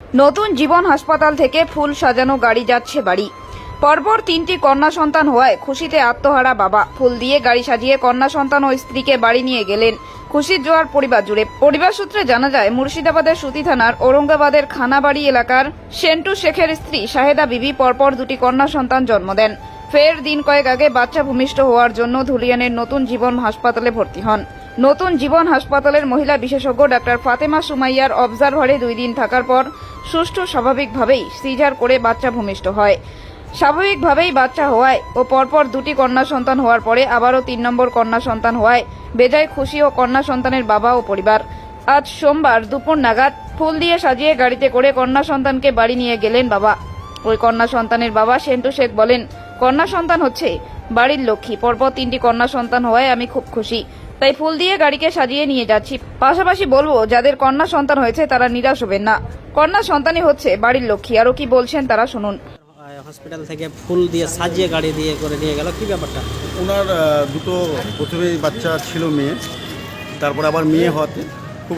নতুন জীবন হাসপাতাল থেকে ফুল সাজানো গাড়ি যাচ্ছে বাড়ি। পরপর 3টি কন্যা সন্তান হওয়ায় খুশিতে আত্মহারা বাবা। ফুল দিয়ে গাড়ি সাজিয়ে কন্যা সন্তান ও স্ত্রীকে বাড়ি নিয়ে গেলেন। খুশির জোয়ার পরিবার জুড়ে। পরিবার সূত্রে জানা যায়, মুর্শিদাবাদের সুতি থানার ঔরঙ্গাবাদের খানাবাড়ি এলাকার সেন্টু শেখের স্ত্রী শাহেদা বিবি পরপর 2টি কন্যা সন্তান জন্ম দেন। ফের দিন কয়েক আগে বাচ্চা ভূমিষ্ঠ হওয়ার জন্য ধুলিয়ানের নতুন জীবন হাসপাতালে ভর্তি হন। নতুন জীবন হাসপাতালের মহিলা বিশেষজ্ঞ ডাক্তার ফাতেমা সুমাইয়ার অবজারভারে 2 দিন থাকার পর সুষ্ঠু স্বাভাবিকভাবেই সিজার করে বাচ্চা ভূমিষ্ঠ হয়। স্বাভাবিকভাবেই বাচ্চা হওয়ায় ও পরপর 2টি কন্যা সন্তান হওয়ার পরে আবারও 3 নম্বর কন্যা সন্তান হওয়ায় বেজায় খুশি ও কন্যা সন্তানের বাবা ও পরিবার। আজ সোমবার দুপুর নাগাদ ফুল দিয়ে সাজিয়ে গাড়িতে করে কন্যা সন্তানকে বাড়ি নিয়ে গেলেন বাবা। ওই কন্যা সন্তানের বাবা সেন্টু শেখ বলেন, কন্যা সন্তান হচ্ছে বাড়ির লক্ষ্মী। পরপর 3টি কন্যা সন্তান হওয়ায় আমি খুব খুশি, তাই ফুল দিয়ে গাড়িকে সাজিয়ে নিয়ে যাচ্ছি। পাশাপাশি বলবো, যাদের কন্যা সন্তান হয়েছে তারা নিরাশ হবেন না। কন্যা সন্তানই হচ্ছে বাড়ির লক্ষ্মী। আরো কি বলছেন তারা শুনুন। হসপিটাল থেকে ফুল দিয়ে সাজিয়ে গাড়ি দিয়ে করে নিয়ে গেল, কি ব্যাপারটা? ওনার দুটো প্রথমেই বাচ্চা ছিল মেয়ে, তারপর আবার মেয়ে হওয়াতে খুব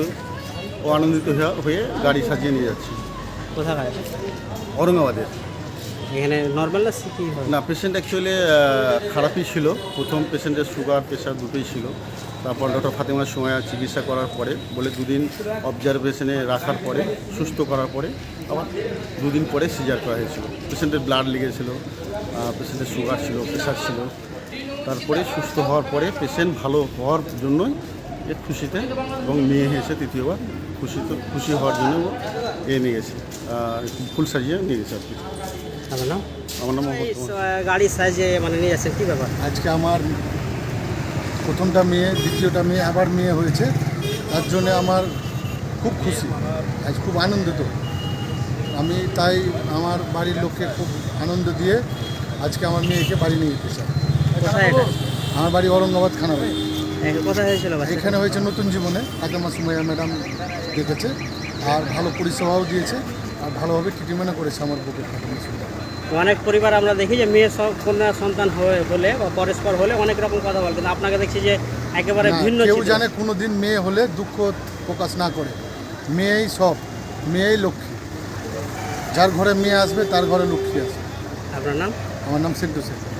আনন্দিত হয়ে গাড়ি সাজিয়ে নিয়ে যাচ্ছি। কোথায়? ঔরঙ্গাবাদের। এখানে নর্মাল না সিটি হয়? না, পেশেন্ট অ্যাকচুয়ালি খারাপই ছিল। প্রথম পেশেন্টের সুগার প্রেশার দুটোই ছিল। তারপর ডক্টর ফাতেমা সুমাইয়া চিকিৎসা করার পরে বলে 2 দিন অবজারভেশনে রাখার পরে সুস্থ করার পরে আবার 2 দিন পরে সিজার করা হয়েছিল। পেশেন্টের ব্লাড লেগেছিল, পেশেন্টের সুগার ছিল, প্রেশার ছিল। তারপরে সুস্থ হওয়ার পরে পেশেন্ট ভালো হওয়ার জন্যই এর খুশিতে, এবং মেয়ে এসে তৃতীয়বার খুশি হওয়ার জন্য নিয়ে গেছে, ফুল সাজিয়ে নিয়ে গেছে আর কি। আমার নাম? আমার নাম গাড়ি সাজিয়ে মানে নিয়ে যাচ্ছেন, কি ব্যাপার? আজকে আমার প্রথমটা মেয়ে, দ্বিতীয়টা মেয়ে, আবার মেয়ে হয়েছে। তার জন্য আমার খুব খুশি, আজ খুব আনন্দিত আমি। তাই আমার বাড়ির লোককে খুব আনন্দ দিয়ে আজকে আমার মেয়েকে বাড়ি নিয়ে যেতে চাই। কোথায় এটা? আমার বাড়ি ঔরঙ্গাবাদ খানাবাড়ি। কোথায় হয়েছিল? এখানে হয়েছে নতুন জীবনে। ফাতেমা সুমাইয়া ম্যাডাম দেখেছে আর ভালো পরিষেবাও দিয়েছে আর ভালোভাবে ট্রিটমেন্টও করেছে আমার বুকের ফাতেমা সুমাইয়া। অনেক পরিবার আমরা দেখি যে মেয়ে সব কন্যা সন্তান হয়ে বলে বা পরস্পর হলে অনেক রকম কথা বলে, কিন্তু আপনাকে দেখছি যে একেবারে ভিন্ন। কেউ জানে কোনো দিন মেয়ে হলে দুঃখ প্রকাশ না করে। মেয়েই সব, মেয়েই লক্ষ্মী। যার ঘরে মেয়ে আসবে তার ঘরে লক্ষ্মী আসবে। আপনার নাম? আমার নাম সেন্টু শেখ।